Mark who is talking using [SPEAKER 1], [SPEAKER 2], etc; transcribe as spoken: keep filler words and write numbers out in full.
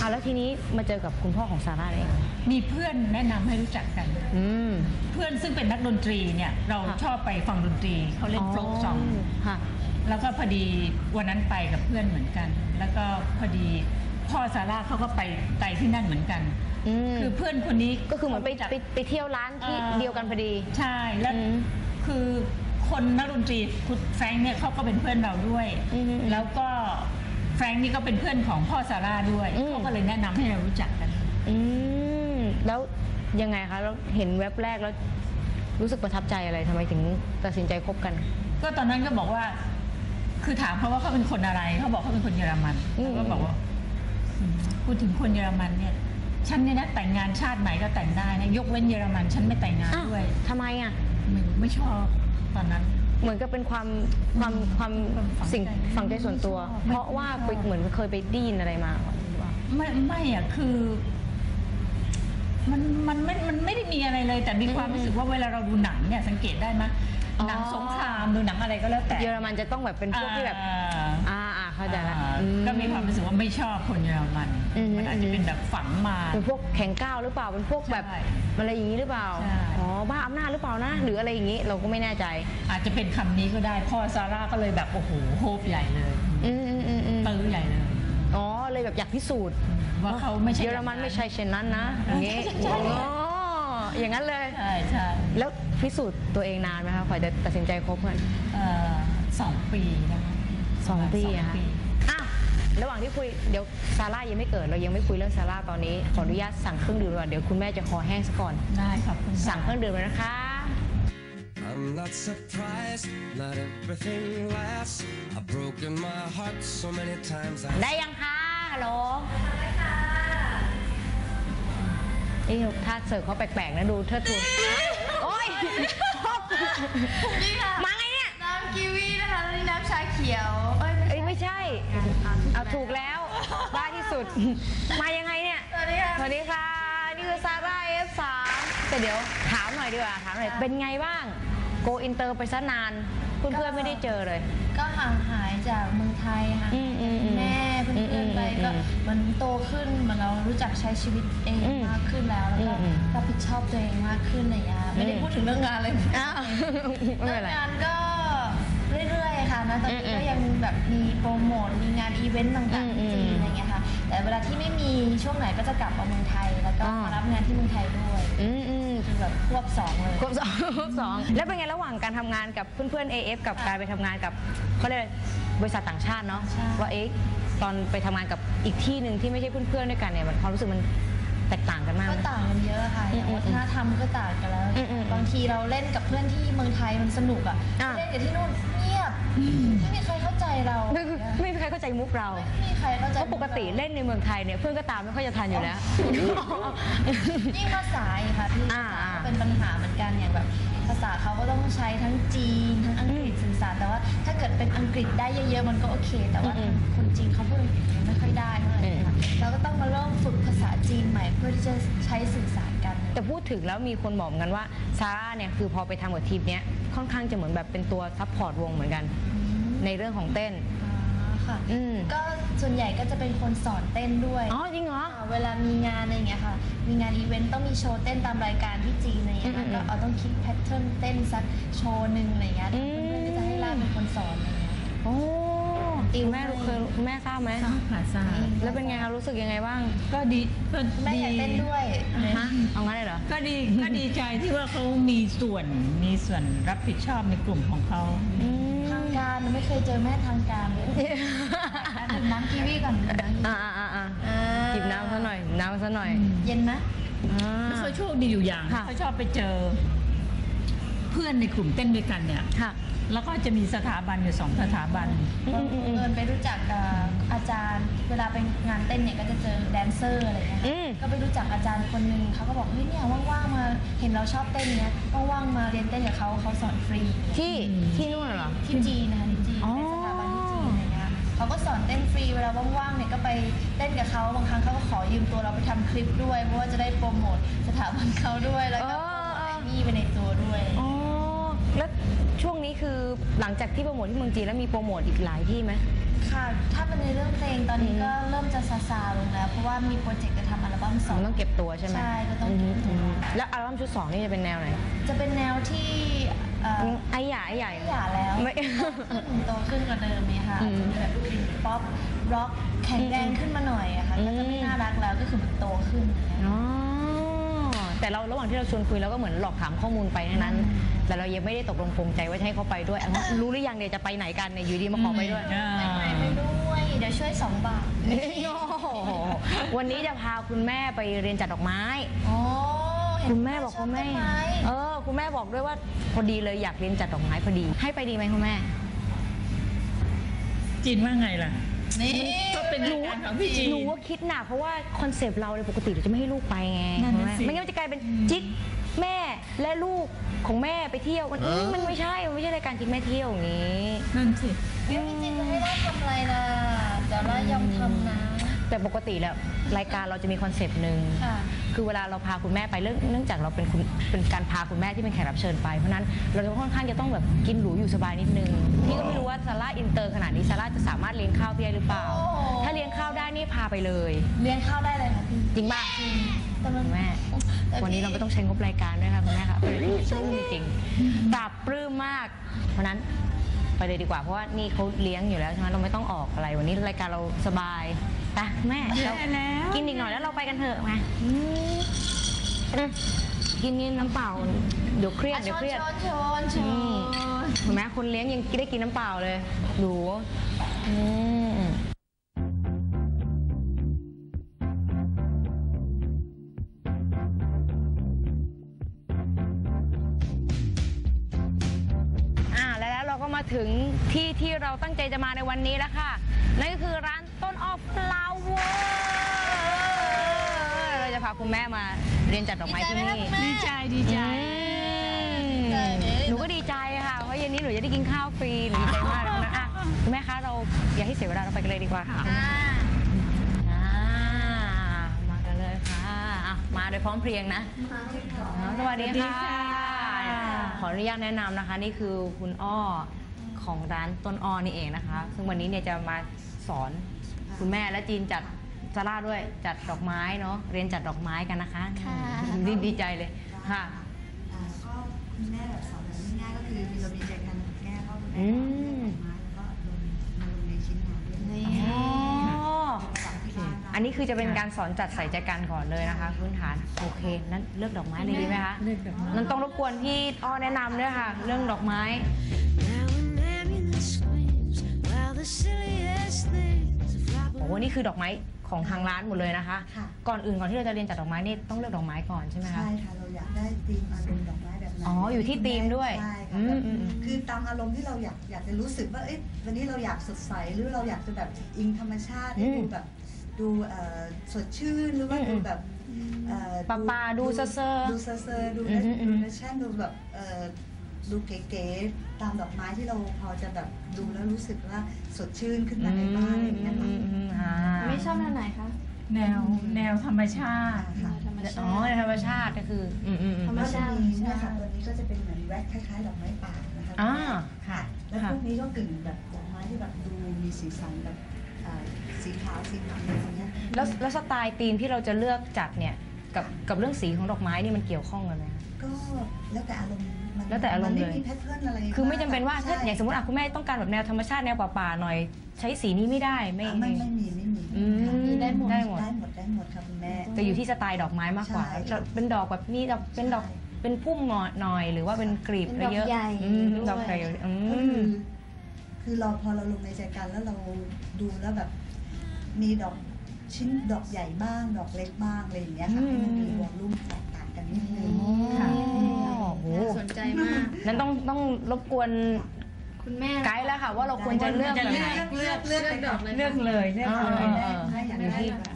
[SPEAKER 1] อ่าแล้วทีนี้มาเจอกับคุณพ่อของซาร่าเอง
[SPEAKER 2] มีเพื่อนแนะนำให้รู้จักกันเพื่อนซึ่งเป็นนักดนตรีเนี่ยเราชอบไปฟังดนตรีเขาเล่นโฟล์กซองแล้วก็พอดีวันนั้นไปกับเพื่อนเหมือนกันแล้วก็พอดีพ่อซาร่าเขาก็ไปไปที่นั่นเหมือนกันคือเพื่อนคนนี้
[SPEAKER 1] ก็คือเหมือนไปไปเที่ยวร้านที่เดียวกันพอดี
[SPEAKER 2] ใช่แล้วคือคนนักดนตรีคุณแฟรงค์เนี่ยเขาก็เป็นเพื่อนเราด้วยแล้วก็แฟรงค์นี่ก็เป็นเพื่อนของพ่อซาร่าด้วยเขาก็เลยแนะนำให้เรารู้จักกัน
[SPEAKER 1] อืมแล้วยังไงคะเราเห็นเว็บแรกแล้วรู้สึกประทับใจอะไรทำไมถึงตัดสินใจคบกัน
[SPEAKER 2] ก็ตอนนั้นก็บอกว่าคือถามเขาว่าเขาเป็นคนอะไรเขาบอกเขาเป็นคนเยอรมันก็บอกว่าพูดถึงคนเยอรมันเนี่ยฉันเนี่ยนะแต่งงานชาติไหนก็แต่งได้นะยกเว้นเยอรมันฉันไม่แต่งงานด้วย
[SPEAKER 1] ทำไมอ่ะ
[SPEAKER 2] ไม่ไม่ชอบตอนนั้น
[SPEAKER 1] เหมือนกับเป็นความความความสิ่งฝังใจส่วนตัวเพราะว่าเหมือนเคยไปได้ยินอะไรมา
[SPEAKER 2] ไม่ไม่อ่ะคือมันมันไม่มันไม่ได้มีอะไรเลยแต่มีความรู้สึกว่าเวลาเราดูหนังเนี่ยสังเกตได้ไหมหนังสงครามดูหนังอะไรก็แล้วแต่
[SPEAKER 1] เยอรมันจะต้องแบบเป็นพวกที่แบบอ่าอ่าเข้าใจละ
[SPEAKER 2] ก็มีความรู้สึกว่าไม่ชอบคนเยอรมันมันอาจจะเป็นแบบฝังมา
[SPEAKER 1] เป็นพวกแข็งก้าวหรือเปล่าเป็นพวกแบบอะไรอย่างนี้หรือเปล่าอ๋อบ้าอำนาจหรือเปล่านะหรืออะไรอย่างนี้เราก็ไม่แน่ใจ
[SPEAKER 2] อาจจะเป็นคำนี้ก็ได้พ่อซาร่าก็เลยแบบโอ้โหโฮปใหญ่เลยตื้อใหญ่เลย
[SPEAKER 1] อ๋อเลยแบบอยากพิสูจน์
[SPEAKER 2] ว่าเขาไม่ใช่
[SPEAKER 1] เยอรมันไม่ใช่เช่นนั้นนะอย่างนี้อ๋ออย่างนั้นเลย
[SPEAKER 2] ใช่ใช่
[SPEAKER 1] แล้วพิสูจน์ตัวเองนานไหมคะกว่าจะตัดสินใจคบกัน
[SPEAKER 2] สองปีนะคะ
[SPEAKER 1] สองปีอะค่ะอ้าวระหว่างที่คุยเดี๋ยวซาร่ายังไม่เกิดเรายังไม่คุยเรื่องซาร่าตอนนี้ขออนุญาตสั่งเครื่องดื่มก่อนเดี๋ยวคุณแม่จะคอแห้งซะก่อน
[SPEAKER 2] ได้ครับ
[SPEAKER 1] สั่งเครื่องดื่มเลยนะคะ
[SPEAKER 3] I'm not surprised, not everything lasts. I've broken my heart so many times.
[SPEAKER 1] ได้ยังคะฮัลโหลได้ค่ะนี่ถ้าเสิร์ฟเขาแปลกๆนะดูเทิดทูนโอ้ย
[SPEAKER 4] นี่ค่ะ
[SPEAKER 1] มาไงเนี่ย
[SPEAKER 4] น้ำกีวีนะคะแล้วนี่น้ำชาเขียว
[SPEAKER 1] เอ้ยไม่ใช่เอาถูกแล้วบ้าที่สุดมายังไงเนี่ย
[SPEAKER 4] สวัสดีค่ะ
[SPEAKER 1] สวัสดีค่ะนี่คือซาร่า เอฟ สาม แต่เดี๋ยวถามหน่อยดีกว่าถามหน่อยเป็นไงบ้างโกอินเตอร์ไปซะนานเพื่อนๆไม่ได้เจอเลย
[SPEAKER 4] ก็ห่างหายจากเมืองไทยห่างแม่เพื่อนๆไปก็มันโตขึ้นมันเรารู้จักใช้ชีวิตเองมากขึ้นแล้วแล้วก็รับผิดชอบตัวเองมากขึ้นอะไรอย่างเงี้ยไม่ได้พูดถึงเรื่องงานเลยเรื่องงานก็เรื่อยๆค่ะนะตอนนี้ก็ยังแบบมีโปรโมทมีงานอีเวนต์ต่างๆที่จีนอะไรเงี้ยค่ะแต่เวลาที่ไม่มีช่วงไหนก็จะกลับมาเมืองไทยแล้วก็มารับงานที่เมืองไทยด้วยคือแบบควบสองเลย
[SPEAKER 1] ควบสองควบสองแล้วเป็นไงระหว่างการทำงานกับเพื่อนๆ เอ เอฟ กับการไปทำงานกับเขาเรียกบริษัทต่างชาติเนาะว่าเอ๊ะตอนไปทำงานกับอีกที่หนึ่งที่ไม่ใช่เพื่อนๆด้วยกันเนี่ยมันความรู้สึกมันแตกต่างกันมาก
[SPEAKER 4] ก็ต่างกันเยอะค่ะอย่างวัฒนธรรมก็ต่างกันแล้วบางทีเราเล่นกับเพื่อนที่เมืองไทยมันสนุกอ่ะเล่นกับที่นู่นเงียบไม่มีใครเข้าใจเรา
[SPEAKER 1] ไม่มีใครเข้าใจมุกเรา
[SPEAKER 4] ไม่มีใครเข้าใจ
[SPEAKER 1] เพราะปกติเล่นในเมืองไทยเนี่ยเพื่อนก็ตามไม่ค่อยจะทันอยู่แล้ว
[SPEAKER 4] ยิ่งภาษาอีกค่ะพี่เป็นปัญหาเหมือนกันอย่างแบบภาษาเขาก็ต้องใช้ทั้งจีนทั้งอังกฤษสื่อสารแต่ว่าถ้าเกิดเป็นอังกฤษได้เยอะๆมันก็โอเคแต่ว่าคนจีนเขาพูดไม่ค่อยได้เท่าไหร่ค่ะเราก็ต้องมาเริ่มฝึกภาษาจีนใหม่เพื่อที่จะใช้สื่อสารกัน
[SPEAKER 1] แต่พูดถึงแล้วมีคนบอกกันว่าซาร่าเนี่ยคือพอไปทำกับทีมเนี้ยค่อนข้างจะเหมือนแบบเป็นตัวซัพพอร์ตวงเหมือนกันในเรื่องของเต้น
[SPEAKER 4] ค่ะก็ส่วนใหญ่ก็จะเป็นคนสอนเต้นด้วย
[SPEAKER 1] อ๋อจริงเหรอ
[SPEAKER 4] เวลามีงานอะไรอย่างเงี้ยค่ะมีงานอีเวนต์ต้องมีโชว์เต้นตามรายการที่จีนอะไรอย่างเงี้ยก็เอาต้องคิดแพทเทิร์นเต้นสักโชว์หนึ่งอะไรอย่างเงี้ยเพื่อนๆก็จะให้ล่าเป็นคนสอนอะไรอย่างเงี้ย
[SPEAKER 1] โอ้ติวแม่เคยแม่ทราบไหม
[SPEAKER 2] ทราบค่ะทราบ
[SPEAKER 1] แล้วเป็นไงคะรู้สึกยังไงบ้าง
[SPEAKER 2] ก็ดี
[SPEAKER 4] แม่อยากเต้นด้วย
[SPEAKER 1] ฮะเอางั้นเลยเหรอ
[SPEAKER 2] ก็ดีก็ดีใจที่ว่าเขามีส่วนมีส่วนรับผิดชอบในกลุ่มของเขา
[SPEAKER 4] ทางการไม่เคยเจอแม่ทางการเลยดื่มน้ำกีวีก่อน
[SPEAKER 1] อ่าอ่าอ่าจิบน้ำซะหน่อยน้ำซะหน่อย
[SPEAKER 4] เย็นไหม
[SPEAKER 2] ไม่เคยโชคดีอยู่อย่างเขาชอบไปเจอเพื่อนในกลุ่มเต้นด้วยกันเนี่ยแล้วก็จะมีสถาบันอยู่สองสถาบัน
[SPEAKER 4] เดินไปรู้จักอาจารย์เวลาไปงานเต้นเนี่ยก็จะเจอแดนเซอร์อะไรเงี้ยก็ไปรู้จักอาจารย์คนหนึ่งเขาก็บอกเฮ้ยเนี่ยว่างๆมาเห็นเราชอบเต้นเนี้ยว่างๆมาเรียนเต้นกับเขาเขาสอนฟรี
[SPEAKER 1] ที่ที่นู่นเหรอ
[SPEAKER 4] ที่จีนนะคะที่จีนในสถาบันที่จีนอะไรเงี้ยเขาก็สอนเต้นฟรีเวลาว่างๆเนี่ยก็ไปเต้นกับเขาบางครั้งเขาก็ขอยืมตัวเราไปทำคลิปด้วยเพราะว่าจะได้โปรโมทสถาบันเขาด้วยแล้วก็มีไปในตัวด้วย
[SPEAKER 1] แแล้วช่วงนี้คือหลังจากที่โปรโมทที่เมืองจีนแล้วมีโปรโมทอีกหลายที่ไหม
[SPEAKER 4] ค่ะ ถ้าเป็นในเรื่องเพลงตอนนี้ก็เริ่มจะซาซาลงแล้วเพราะว่ามีโปรเจกต์จะทำอัลบั้มสอง
[SPEAKER 1] มันต้องเก็บตัวใช่ไหม
[SPEAKER 4] ใช่ก็ต้องเก็บตัว
[SPEAKER 1] มแล้วอัลบั้มชุดสองนี่จะเป็นแนวไหน
[SPEAKER 4] จะเป็นแนวที่เอ่อ
[SPEAKER 1] ไอ้ใหญ่ไอ้ใหญ่
[SPEAKER 4] หย่าแล้ว
[SPEAKER 1] ไม่
[SPEAKER 4] โตขึ้นกว่าเดิมเนี่ยค่ะ
[SPEAKER 1] อืม
[SPEAKER 4] จะเป็นแบบป๊อปร็อกแข็งแรงขึ้นมาหน่อยอะค่ะ
[SPEAKER 1] อืม
[SPEAKER 4] ก็จะไม่น่ารักแล้วก็คือแบบโตขึ้นอย่างเงี้ย
[SPEAKER 1] อ๋อแต่เราระหว่างที่เราชวนคุยเราก็เหมือนหลอกถามข้อมูลไปทั้งนั้น แต่เรายังไม่ได้ตกลงปรงใจว่าจะให้เขาไปด้วยอ่ะรู้หรือยังเดี๋ยวจะไปไหนกันเนี่ยอยู่ดีมาขอไปด้วย
[SPEAKER 2] อ่า
[SPEAKER 4] ไปไปด้วยเดี๋ยวช่วยสองบาท
[SPEAKER 1] โอ้โหวันนี้จะพาคุณแม่ไปเรียนจัดดอกไม้
[SPEAKER 4] โอ้เห็น
[SPEAKER 1] คุณแม่บอก
[SPEAKER 4] ช
[SPEAKER 1] คุณแม่
[SPEAKER 4] ต้นไ
[SPEAKER 1] เออคุณแม่บอกด้วยว่าพอดีเลยอยากเรียนจัดดอกไม้พอดี ให้ไปดีไหมคุณแม่
[SPEAKER 2] จีนว่าไงล่ะ
[SPEAKER 4] นี่
[SPEAKER 2] ก็เป็นรายการของพี่จีน
[SPEAKER 1] หนูว่าคิดหนักเพราะว่าคอนเซปต์เราเลยปกติเราจะไม่ให้ลูกไปไง
[SPEAKER 2] นั่นน่ะสิ
[SPEAKER 1] ไม่งั้นมันจะกลายเป็นจิ๊กแม่และลูกของแม่ไปเที่ยวมันอืมมันไม่ใช่มันไม่ใช่รายการจิ๊กแม่เที่ยวอย่างนี้
[SPEAKER 2] นั่นสิ
[SPEAKER 4] พี่จินจะให้เราทำอะไรล่ะเดี๋ยวเรายอมทำนะ
[SPEAKER 1] แต่ปกติแล้วรายการเราจะมีคอนเซปต์หนึ่ง
[SPEAKER 4] ค่ะ
[SPEAKER 1] คือเวลาเราพาคุณแม่ไปเรื่องเนื่องจากเราเป็นคุณเป็นการพาคุณแม่ที่เป็นแขกรับเชิญไปเพราะฉะนั้นเราจะค่อนข้างจะต้องแบบกินหรูอยู่สบายนิดนึงพี่ก็ไม่รู้ว่าซาร่าอินเตอร์ขนาดนี้ซาร่าจะสามารถเลี้ยงข้าวพี่ได้หรือเปล่า
[SPEAKER 4] โอ้โห
[SPEAKER 1] ถ้าเลี้ยงข้าวได้นี่พาไปเลย
[SPEAKER 4] เลี้ยงข้าวได้เลยค่ะพี่
[SPEAKER 1] จริงป่ะ
[SPEAKER 4] แต่มัน
[SPEAKER 1] คุณแม่
[SPEAKER 4] แต่
[SPEAKER 1] วันนี้
[SPEAKER 4] พี่
[SPEAKER 1] เราไม่ต้องใช้งบรายการด้วยค่ะคุณแม่ค่ะปลื้มจริงๆปราบปลื้มมาก เพราะฉะนั้นไปเลยดีกว่าเพราะว่านี่เขาเลี้ยงอยู่แล้วใช่ไหมเราไม่ต้องออกอะไรวันนี้รายการเราสบายไปแม่
[SPEAKER 2] แย่
[SPEAKER 1] เรา
[SPEAKER 2] แล้ว
[SPEAKER 1] กินอีกหน่อยแล้วเราไปกันเถอะมาอืมอืมกินนี่น้ำเปล่าเดี๋ยวเครียด
[SPEAKER 4] อ่ะ
[SPEAKER 1] เดี๋ยว
[SPEAKER 4] ช
[SPEAKER 1] เครียด
[SPEAKER 4] นชนช
[SPEAKER 1] อืม
[SPEAKER 4] น
[SPEAKER 1] เห็นไหมคนเลี้ยงยังได้กินน้ำเปล่าเลยดูอืมอ่าแล้วแล้วเราก็มาถึงที่ที่เราตั้งใจจะมาในวันนี้แล้วค่ะ นั่นก็คือร้านต้นออฟฟลาวเวอร์เราจะพาคุณแม่มาเรียนจัดดอกไม้ที่นี่
[SPEAKER 2] ดีใจดีใจ
[SPEAKER 1] อืมหนูก็ดีใจค่ะ เพราะเย็นนี้หนูจะได้กินข้าวฟรี หนูดีใจมากเลยนะอ่ะคุณแม่คะเราอย่าให้เสียเวลาเราไปกันเลยดีกว่าค่ะ
[SPEAKER 4] อ่า
[SPEAKER 1] อ่ามากันเลยค่ะอ่ะ มาโดยพร้อมเพรียงนะอ๋อสวัสดีค่ะ ขออนุญาตแนะนำนะคะ นี่คือคุณอ้อของร้านต้นอ้อนี่เองนะคะ ซึ่งวันนี้เนี่ยจะมาสอนคุณแม่และจีนจัดซาร่าด้วยจัดดอกไม้เนาะเรียนจัดดอกไม้กันนะคะ
[SPEAKER 4] ค่ะ
[SPEAKER 1] ดีดีใจเลยค่ะ
[SPEAKER 5] อ่าก็คุณแม่แบบสอนแบบง่ายๆก็คือเรามีใจกันแก้ก็คุณแม่
[SPEAKER 1] อื
[SPEAKER 5] ก็
[SPEAKER 1] ม
[SPEAKER 5] เลือกดอกไม้แล้วก็ลงมาลงในชิ้นงานด้วย
[SPEAKER 4] นี่
[SPEAKER 1] อ๋อ
[SPEAKER 5] ฝากที่บ้าน
[SPEAKER 1] อันนี้คือจะเป็นการสอนจัดใส่ใจกันก่อนเลยนะคะพื้นฐานโอเคนั้นเลือกดอกไม้เลยดีไหมคะ
[SPEAKER 2] เลือกดอกไม้
[SPEAKER 1] นั้นต้องรบกวนพี่อ้อแนะนำด้วยค่ะ เรื่องดอกไม้
[SPEAKER 3] Now an ambulance screams while the silliest things are flapping.
[SPEAKER 1] โอ้โหนี่คือดอกไม้ของทางร้านหมดเลยนะคะ
[SPEAKER 5] ค่ะ
[SPEAKER 1] ก่อนอื่นก่อนที่เราจะเรียนจัดดอกไม้นี่ต้องเลือกดอกไม้ก่อนใช่ไหมคะ
[SPEAKER 5] ใช่ค่ะเราอยากได้ธีมอารมณ์ดอกไม้แบบไหน
[SPEAKER 1] อ๋ออยู่ที่ธีมด้วย
[SPEAKER 5] ใช่
[SPEAKER 1] อื
[SPEAKER 5] ค่ะ
[SPEAKER 1] มอืมอืม
[SPEAKER 5] คือตามอารมณ์ที่เราอยากอยากจะรู้สึกว่าเอ้ยวันนี้เราอยากสดใสหรือเราอยากจะแบบอิงธรรมชาติให้ดูแบบดูเอ่อสดชื่นหรือว่าดูแบบเอ่อ
[SPEAKER 1] ปลาปลาดูเซอร์ๆ
[SPEAKER 5] ดูเซอร์ๆดู
[SPEAKER 1] อืมอืมอืม
[SPEAKER 5] ดูแฟชั่นดูแบบเอ่อดูเก๋ๆตามดอกไม้ที่เราพอจะแบบดูแล้วรู้สึกว่าสดชื่นขึ้นมาในบ้านอะไรอย่างเงี้ยค่ะ
[SPEAKER 1] อืมอ่า
[SPEAKER 4] ไม่ชอบแนวไหนคะ
[SPEAKER 2] แนวแนวธรรมชาติ
[SPEAKER 5] ค่ะ
[SPEAKER 4] ธรรมชา
[SPEAKER 1] อ๋อ
[SPEAKER 4] ติ
[SPEAKER 1] ในธรรมชาติก็คืออืมอืมอืม
[SPEAKER 4] ธรรม
[SPEAKER 5] ก็
[SPEAKER 4] ชา
[SPEAKER 5] จะ
[SPEAKER 4] ติ
[SPEAKER 5] มีเนี่ยค่ะตัวนี้ก็จะเป็นเหมือนแว็กคล้ายๆดอกไม้ป่านะคะ
[SPEAKER 1] อ่าค่ะ
[SPEAKER 5] แล้ว
[SPEAKER 1] ค่ะ
[SPEAKER 5] พวกนี้ก็กึ่งแบบดอกไม้ที่แบบดูมีสีสันแบบอ่าสีขาวสีดำอะไรอย่างเงี้ย
[SPEAKER 1] แล้วแล้วสไตล์ธีมที่เราจะเลือกจัดเนี่ยกับกับเรื่องสีของดอกไม้นี่มันเกี่ยวข้องกันไหมคะ
[SPEAKER 5] ก็แล้วแต่อารมณ์มัน
[SPEAKER 1] แล้วแต่อารมณ์
[SPEAKER 5] น
[SPEAKER 1] เลย
[SPEAKER 5] ไม่มีแพทเทิร์นอะไร
[SPEAKER 1] คือไม่จำเป็นว่าถ้า
[SPEAKER 5] ใช่
[SPEAKER 1] อย่างสมมติอ่ะคุณแม่ต้องการแบบแนวธรรมชาติแนวป่าๆหน่อย ใช้สีนี้ไม่ได้ไม่
[SPEAKER 5] อ่าไม่ไม่มีไม่มี
[SPEAKER 1] อืม
[SPEAKER 5] ค่ะ
[SPEAKER 1] ได้หมดได้หมด
[SPEAKER 5] ได้หมดได้หมดค่ะคุณแม่
[SPEAKER 1] แต่อยู่ที่สไตล์ดอกไม้มากกว่า
[SPEAKER 5] ใช่
[SPEAKER 1] จะเป็นดอกแบบนี้ดอกเป็นดอก
[SPEAKER 5] ใช่
[SPEAKER 1] เป็นพุ่มหน่อยหน่อย หรือว่าเป็นกลีบ
[SPEAKER 4] เป็นดอก
[SPEAKER 1] เยอะ
[SPEAKER 4] ใหญ่
[SPEAKER 1] อืม
[SPEAKER 4] ด้วย
[SPEAKER 1] ดอกใหญ่อื
[SPEAKER 5] ก็
[SPEAKER 1] ม
[SPEAKER 5] คือคือเราพอเราลงในใจกันแล้วเราดูแล้วแบบมีดอกชิ้นดอกใหญ่บ้าง ดอกเล็กบ้างอะไรอย่างเงี้ยค่ะให้มันมีวอลลุ่มแตกต่างกันนิดนึง
[SPEAKER 1] ค่ะ
[SPEAKER 5] ค่ะ
[SPEAKER 1] โอ้โห
[SPEAKER 4] สนใจมาก
[SPEAKER 1] นั้นต้องต้องรบกวน
[SPEAKER 4] คุณแม่
[SPEAKER 1] ไกด์แล้วค่ะ ว่าเราควรจะเลือกแบบไหน
[SPEAKER 5] เลือกเลือก
[SPEAKER 4] เลือกดอกเลย
[SPEAKER 2] เลือกเลยเลือก
[SPEAKER 1] อ่า
[SPEAKER 2] เลย
[SPEAKER 5] ได้ได้อยากได้แบบ